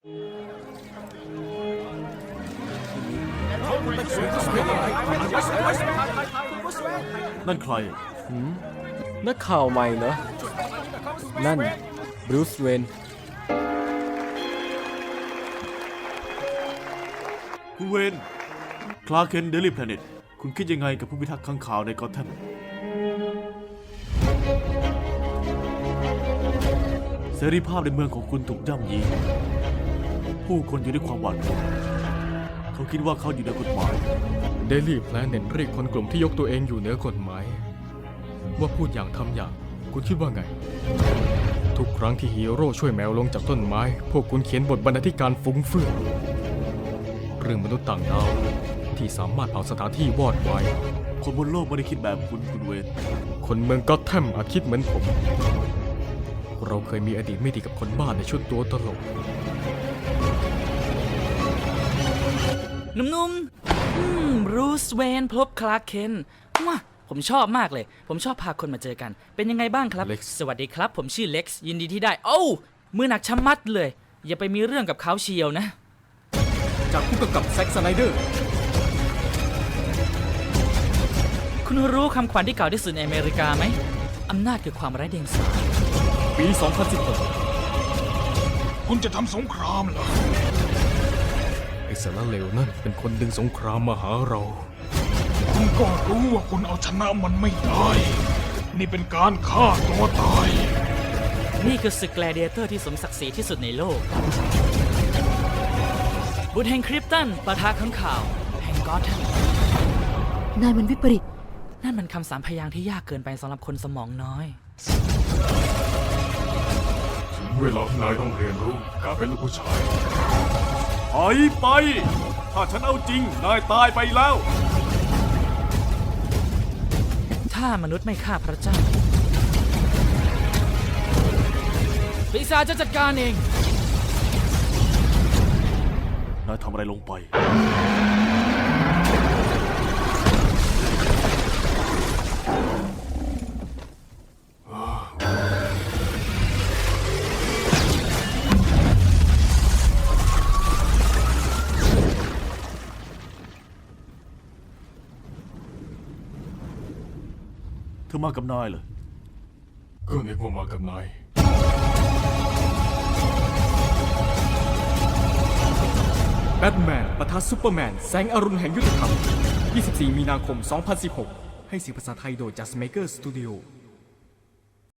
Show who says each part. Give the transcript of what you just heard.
Speaker 1: นั่นใคร
Speaker 2: นักข่าวใหม่เหรอ นั่นบรูซเวน
Speaker 1: คุณเวนคลาร์กเคนเดลี่แพลเน็ตคุณคิดยังไงกับผู้พิทักษ์ข้างข่าวในกอธแธมเสรีภาพในเมืองของคุณถูกย่ำยีผู้คนอยู่ด้วยความหวาดกลัวเขาคิดว่าเขาอยู่เหนือกฎหมาย
Speaker 2: เดลี่แพลเน็ตเรียกคนกลุ่มที่ยกตัวเองอยู่เหนือกฎหมายว่าพูดอย่างทำอย่างคุณคิดว่าไงทุกครั้งที่ฮีโร่ช่วยแมวลงจากต้นไม้พวกคุณเขียนบทบรรณาธิการฟุ้งเฟือยเรื่องมนุษย์ต่างดาวที่สามารถเผาสถานที่วอดวาย
Speaker 1: คนบนโลกไม่ได้คิดแบบคุณเวน
Speaker 2: คนเมืองก็อธแธมอาจคิดเหมือนผมเราเคยมีอดีตไม่ดีกับคนบ้าในชุดตัวตลก
Speaker 3: หนุ่มๆบรูซเวนพบคลาร์กเคนว้าผมชอบมากเลยผมชอบพาคนมาเจอกันเป็นยังไงบ้างครับสวัสดีครับผมชื่อเล็กซ์ยินดีที่ได้โอ้มือหนักชะมัดเลยอย่าไปมีเรื่องกับเขาเชียวนะ
Speaker 2: จากผู้กำกับแซ็กสไนเดอร์
Speaker 3: คุณรู้คำขวัญที่เก่าที่สุดในอเมริกาไหมอำนาจคือความไร้เดียงสา
Speaker 2: ปี 2016
Speaker 4: คุณจะทำสงครามเหรอ
Speaker 2: ไอ้สารเลวนั่นเป็นคนดึงสงครามมาหาเรา
Speaker 4: คุณก็รู้ว่าคุณเอาชนะมันไม่ได้นี่เป็นการฆ่าตัวตาย
Speaker 3: นี่คือศึกแกลเดียเตอร์ที่สมศักดิ์ศรีที่สุดในโลกบุตรแห่งคริปตันปะทะข้างข่าวแห่งก็อธแธม
Speaker 5: นายมันวิปริต
Speaker 3: นั่นมันคำสามพยางค์ที่ยากเกินไปสำหรับคนสมองน้อย
Speaker 4: เวลาที่นายต้องเรียนรู้การเป็นลูกผู้ชาย
Speaker 1: ถอยไปถ้าฉันเอาจริงนายตายไปแล้ว
Speaker 3: ถ้ามนุษย์ไม่ฆ่าพระเจ้าปีศาจจะจัดการเอง
Speaker 1: นายทำอะไรลงไปเธอมากับนายเหรอ
Speaker 4: ก็นึกว่ามากับนาย
Speaker 2: แบทแมนปะทะซุปเปอร์แมนแสงอรุณแห่งยุทธธรรม 24 มีนาคม 2016 ให้เสียงภาษาไทยโดย Just Maker Studio